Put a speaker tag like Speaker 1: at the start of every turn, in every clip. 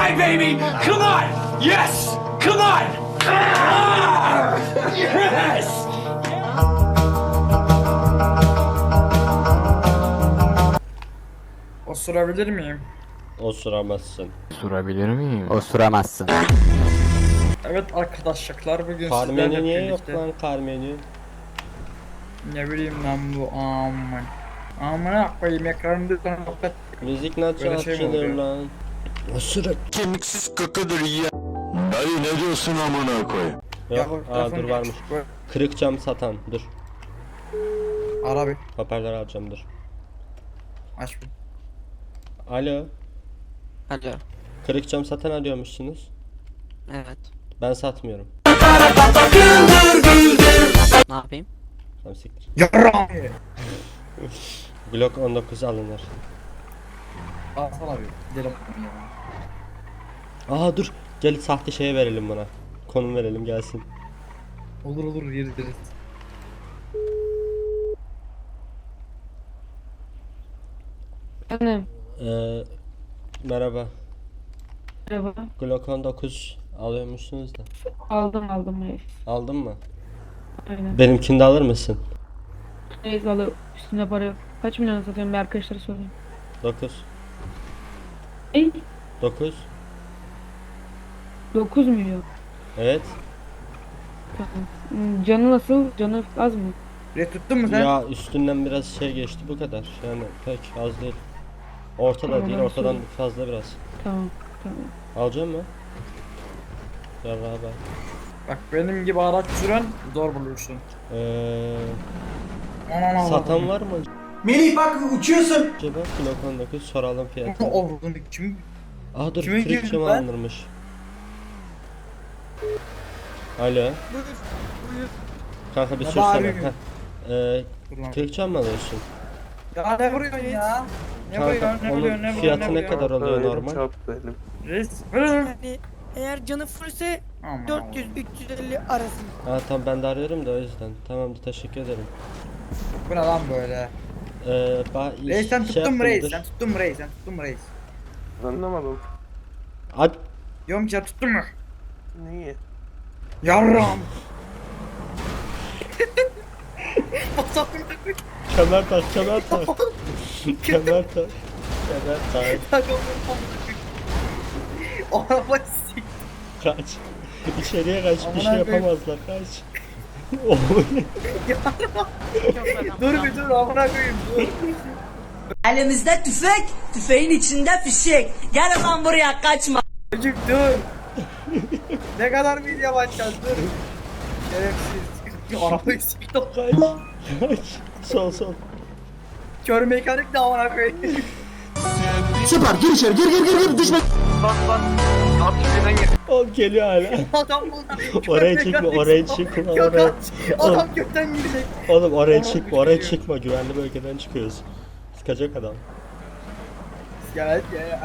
Speaker 1: die, baby! Come on! Yes! Come on! Ah! Yes!
Speaker 2: Osurabilir miyim?
Speaker 3: Osuramazsın.
Speaker 4: Sorabilir miyim?
Speaker 5: Osuramazsın.
Speaker 2: Evet arkadaşlar bugün
Speaker 3: Kar
Speaker 2: sizlerle
Speaker 3: menü niye yok
Speaker 2: birlikte.
Speaker 3: lan kar menü?
Speaker 2: Ne bileyim lan bu aman. Amına koyayım ekranımda sana nokta.
Speaker 3: Müzik nasıl
Speaker 2: Böyle şey mi
Speaker 3: açılır
Speaker 2: oluyor?
Speaker 3: lan? Osuruk.
Speaker 4: Kemiksiz kakadır ya. Dayı ne diyorsun amına koy?
Speaker 3: Yok, dur varmış. Kırık cam satan, dur.
Speaker 2: Ara bir.
Speaker 3: Hoparlör alacağım, dur.
Speaker 2: Aç bir.
Speaker 3: Alo,
Speaker 6: Alo.
Speaker 3: kırık cam satan arıyormuşsunuz.
Speaker 6: Evet.
Speaker 3: Ben satmıyorum.
Speaker 6: Ne yapayım?
Speaker 3: Tamam siktir.
Speaker 2: Yarram.
Speaker 3: Glock 19 alınır.
Speaker 2: Alsana bir. Gidelim.
Speaker 3: Aa dur, gel sahte şeye verelim buna. Konum verelim gelsin.
Speaker 2: Olur olur yeriz.
Speaker 7: Efendim,
Speaker 3: Merhaba.
Speaker 7: merhaba.
Speaker 3: Glock 19 alıyormuşsunuz da.
Speaker 7: Aldım reis.
Speaker 3: Aldın mı?
Speaker 7: Aynen.
Speaker 3: Benimkini de alır mısın?
Speaker 7: Reis alır, üstünde para yok. Kaç milyon satıyorum bir arkadaşlara sorayım.
Speaker 3: 9.
Speaker 7: Ey,
Speaker 3: 9.
Speaker 7: 9 milyon.
Speaker 3: Evet.
Speaker 7: Tamam. Canı nasıl? Canı az mı?
Speaker 2: Re tuttun mu sen?
Speaker 3: Ya üstünden biraz şey geçti bu kadar. Yani pek az değil. Ortada
Speaker 7: Tamam,
Speaker 3: değil,
Speaker 7: ben
Speaker 3: ortadan
Speaker 7: söyleyeyim.
Speaker 3: fazla biraz.
Speaker 7: Tamam.
Speaker 3: Alacak mı? Ya baba.
Speaker 2: Bak benim gibi araç süren zor bulursun. Aman
Speaker 3: Satan var mı
Speaker 1: Melih bak uçuyorsun.
Speaker 3: acaba? Glock 19 soralım fiyatını.
Speaker 2: Oğlum kim?
Speaker 3: Aa dur,
Speaker 2: Kime
Speaker 3: kırık
Speaker 2: girdin
Speaker 3: cam
Speaker 2: lan?
Speaker 3: alınırmış. Alo.
Speaker 2: Buyur.
Speaker 3: Kanka bir
Speaker 2: Ne
Speaker 3: sürsene.
Speaker 2: bağırıyorsun? Dur lan.
Speaker 3: Kırık cam mı alıyorsun?
Speaker 2: Ya ne vuruyorsun ya? Ne vuruyorsun?
Speaker 3: Kanka
Speaker 2: Ne
Speaker 3: onun
Speaker 2: vuruyorsun? Ne vuruyorsun?
Speaker 3: fiyatı ne kadar oluyor normal?
Speaker 2: Reis.
Speaker 8: Yani eğer canı fullse
Speaker 2: Aman
Speaker 8: 400-350 arasında.
Speaker 3: Aa tamam, ben de arıyorum da o yüzden. Tamamdır, teşekkür ederim.
Speaker 2: Bu ne lan böyle? Reis sen tuttun mu reis? Sen tuttun mu reis? Sen tuttun mu reis?
Speaker 9: Anlamadım.
Speaker 3: At.
Speaker 2: Diyorum ki sen tuttun mu?
Speaker 9: Niye?
Speaker 2: Yarram.
Speaker 3: Kemer tak, kemer tak. Kemer tak. Kemer tak.
Speaker 2: Araba sik.
Speaker 3: Kaç. İçeriye kaç. Bir şey
Speaker 2: Amına koyayım.
Speaker 3: yapamazlar. Kaç. Oy.
Speaker 2: Dur bir dur amına koyayım dur.
Speaker 10: Elimizde tüfek, tüfeğin içinde fişek. Gel lan buraya kaçma.
Speaker 2: Çocuk dur. Ne kadar bir yavaşacağız dur. Şerefsiz. Arabayı sikti.
Speaker 3: Kaç. Kaç. Sol sol.
Speaker 2: Kör mekanik de amına koyayım.
Speaker 4: Süper gir içeri gir düşme.
Speaker 3: Oğlum geliyor hala.
Speaker 2: Adam bunlar.
Speaker 3: Oraya çıkma, oraya çıkma, oraya.
Speaker 2: Adam gökten girecek.
Speaker 3: Oğlum oraya
Speaker 2: Oraya
Speaker 3: çıkma, oraya
Speaker 2: çıkıyor.
Speaker 3: çıkma. Güvenli bölgeden çıkıyoruz. Sıkacak adam.
Speaker 2: Gel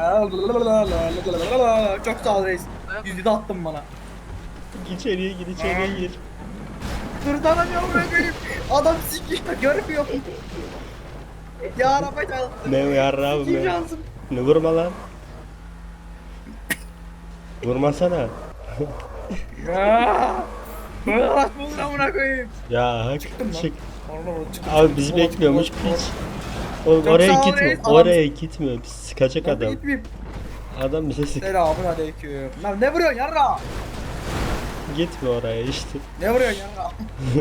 Speaker 2: çok sağ ol reis. Yüzü de attın bana.
Speaker 3: İçeriye gir, içeriye gir.
Speaker 2: Kurtaramıyorum ben benim. Adam sikiyor görmüyor. Ya araba çaldı.
Speaker 3: Ne yarrağım
Speaker 2: Sikiyim
Speaker 3: be.
Speaker 2: şansım.
Speaker 3: Ne vurma lan. Vurmasana.
Speaker 2: Ya. Bırak bunu amına koyayım.
Speaker 3: Ya hak
Speaker 2: lan.
Speaker 3: çık.
Speaker 2: Orada çıktım.
Speaker 3: Abi bizi bekliyormuş piç. Oğlum
Speaker 2: Çok
Speaker 3: oraya
Speaker 2: sağ ol
Speaker 3: gitme.
Speaker 2: reis,
Speaker 3: Oraya gitme. Biz sıkacak
Speaker 2: Ben
Speaker 3: adam.
Speaker 2: gitmeyeyim.
Speaker 3: Adam bize sık.
Speaker 2: Selamun aleyküm. Lan ne vuruyorsun yarra?
Speaker 3: Gitme oraya işte.
Speaker 2: Ne vuruyorsun yarra?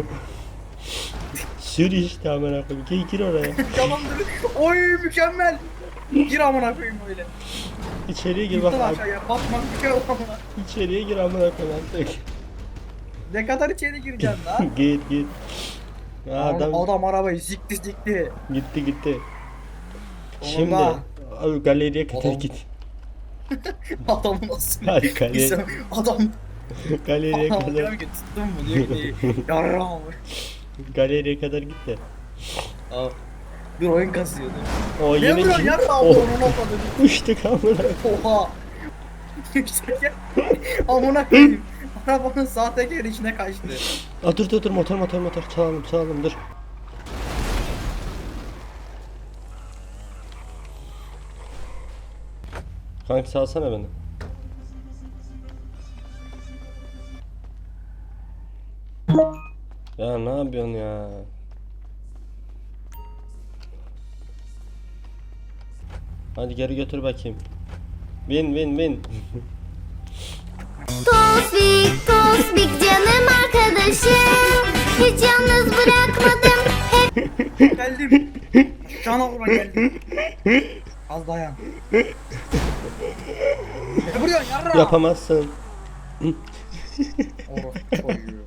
Speaker 3: Sür işte amına koyayım. Gir oraya.
Speaker 2: Tamam dur. Oy mükemmel. Gir amına koyayım öyle.
Speaker 3: İçeriye gir bak.
Speaker 2: Gittin aşağıya. Batmak bir kere amına.
Speaker 3: İçeriye gir amına koyayım artık.
Speaker 2: Ne kadar içeri gireceksin lan?
Speaker 3: Git. Adam
Speaker 2: Adam arabayı sikti.
Speaker 3: gitti.
Speaker 2: Oğlum
Speaker 3: Şimdi
Speaker 2: da.
Speaker 3: abi galeriye kadar
Speaker 2: Oğlum.
Speaker 3: git.
Speaker 2: Adam nasıl?
Speaker 3: Hadi galeri,
Speaker 2: Adam
Speaker 3: galeriye
Speaker 2: Adam
Speaker 3: kadar
Speaker 2: diyor ki tuttun mu diyor ki yarra mı?
Speaker 3: galeriye kadar git de.
Speaker 2: Bir oyun kasıyor dur.
Speaker 3: O
Speaker 2: Ne
Speaker 3: yine
Speaker 2: vuruyorsun yarra
Speaker 3: Oh.
Speaker 2: onu atladı.
Speaker 3: Uçtuk amına.
Speaker 2: Oha. Yükselken amına koyayım. Arabanın sahtekar içine kaçtı.
Speaker 3: Aa dur motor çalalım dur. Kanka salsana beni. Ya ne yapıyorsun ya? Hadi geri götür bakayım. Bin.
Speaker 5: Tosbik, Tosbik canım arkadaşım. Hiç yalnız bırakmadım.
Speaker 2: Geldim. Şana kurban geldim. Az dayan. Ne vuruyorsun yarra?
Speaker 3: Yapamazsın.
Speaker 2: Orospu çocuğu.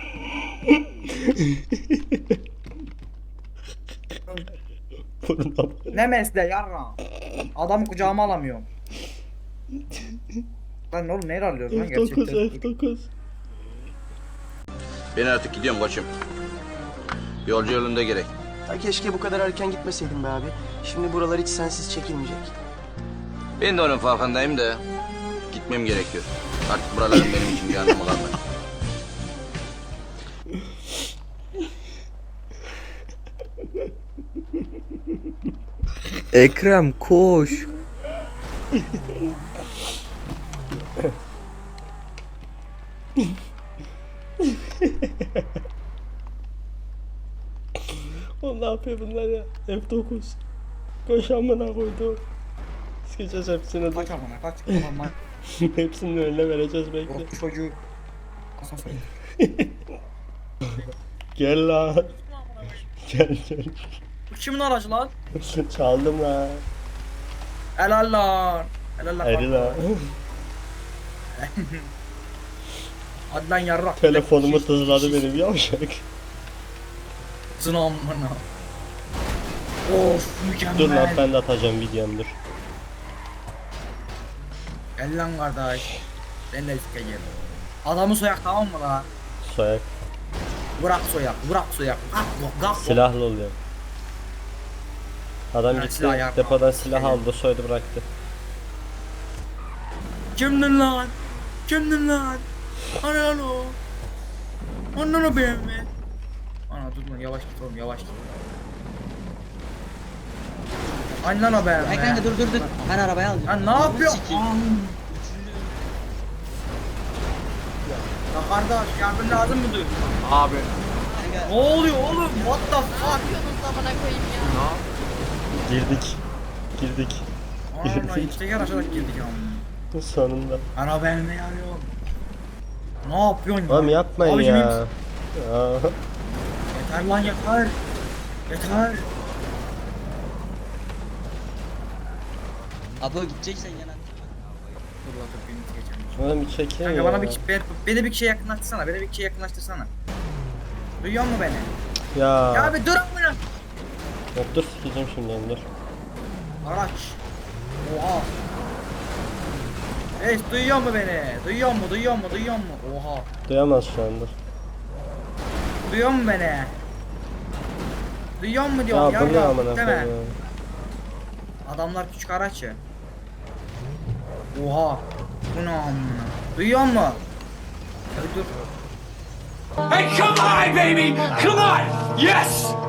Speaker 3: Burnuna
Speaker 2: Ne mesle yarra? Adamı kucağıma alamıyorum. Lan oğlum neyle alıyoruz lan
Speaker 3: F9
Speaker 2: gerçekten?
Speaker 3: F9.
Speaker 4: Ben artık gidiyorum koçum. Yolcu yolunda gerek.
Speaker 9: Keşke bu kadar erken gitmeseydim be abi. Şimdi buralar hiç sensiz çekilmeyecek.
Speaker 4: Ben de onun farkındayım da gitmem gerekiyor. Artık buraların benim için bir anlamı kalmadı.
Speaker 6: Ekrem koş.
Speaker 3: Oğlum ne yapıyor bunlar ya? F9. Koş amına koydu. Sıkacağız hepsini.
Speaker 2: Kaç amına kaç. Aman
Speaker 3: Hepsinin önüne vereceğiz bekle.
Speaker 2: orospu çocuğu. Asansör.
Speaker 3: Gel lan. Gel.
Speaker 2: Bu kimin aracı lan?
Speaker 3: Çaldım lan.
Speaker 2: Helal lan. Helal lan.
Speaker 3: Eri lan.
Speaker 2: Hadi lan yarrak.
Speaker 3: Telefonumu tızladı benim yavşak.
Speaker 2: Sınav amına. Of mükemmel.
Speaker 3: Dur lan ben de atacağım videom dur.
Speaker 2: Gel lan kardeş. Ben de sikeceğim. Adamı soyak tamam mı la?
Speaker 3: Soyak.
Speaker 2: Bırak soyak. Kalk.
Speaker 3: Silahlı oluyor. Adam
Speaker 2: Ha,
Speaker 3: gitti
Speaker 2: silah yapma.
Speaker 3: depodan silah aldı soydu bıraktı.
Speaker 2: Kimdin lan? Ana lan o. Ondan o benim mi? Ana dur lan yavaş git oğlum yavaş git. Annen o benim mi?
Speaker 6: Kanka dur. Ben arabayı alacağım.
Speaker 2: Lan ne yapıyorsun? Ya kardeş yardım lazım mıdır? Abi. Ne oluyor oğlum? What the fuck?
Speaker 3: Girdik.
Speaker 2: Ana işte yer aşağıdaki girdik ya.
Speaker 3: Sonunda.
Speaker 2: Ana ben ne arıyorum? Ne yapıyorsun ya?
Speaker 3: Oğlum yapmayın
Speaker 2: Abicim,
Speaker 3: ya. Aa.
Speaker 2: Yeter lan yeter.
Speaker 6: Abo gideceksen yana.
Speaker 2: Dur lan dur beni geçelim.
Speaker 3: Oğlum bir çekin
Speaker 2: Kanka
Speaker 3: ya.
Speaker 2: bana beni bir kişiye yakınlaştırsana. Duyuyor musun beni?
Speaker 3: Ya.
Speaker 2: Ya bir dur amına.
Speaker 3: Yok dur sikeceğim şimdi dur.
Speaker 2: Araç. Oha. Hey duyuyor mu beni? Duyuyor mu? Oha.
Speaker 3: Duyamaz şu anda.
Speaker 2: Duyuyor mu beni? Duyuyor mu diyorum
Speaker 3: Ya bu ne
Speaker 2: ya,
Speaker 3: amına
Speaker 2: değil mi?
Speaker 3: koyayım ya.
Speaker 2: Adamlar küçük araç ya. Oha. Bu ne amına? Duyuyor mu? Hadi dur.
Speaker 1: Hey, come on, baby! Come on! Yes!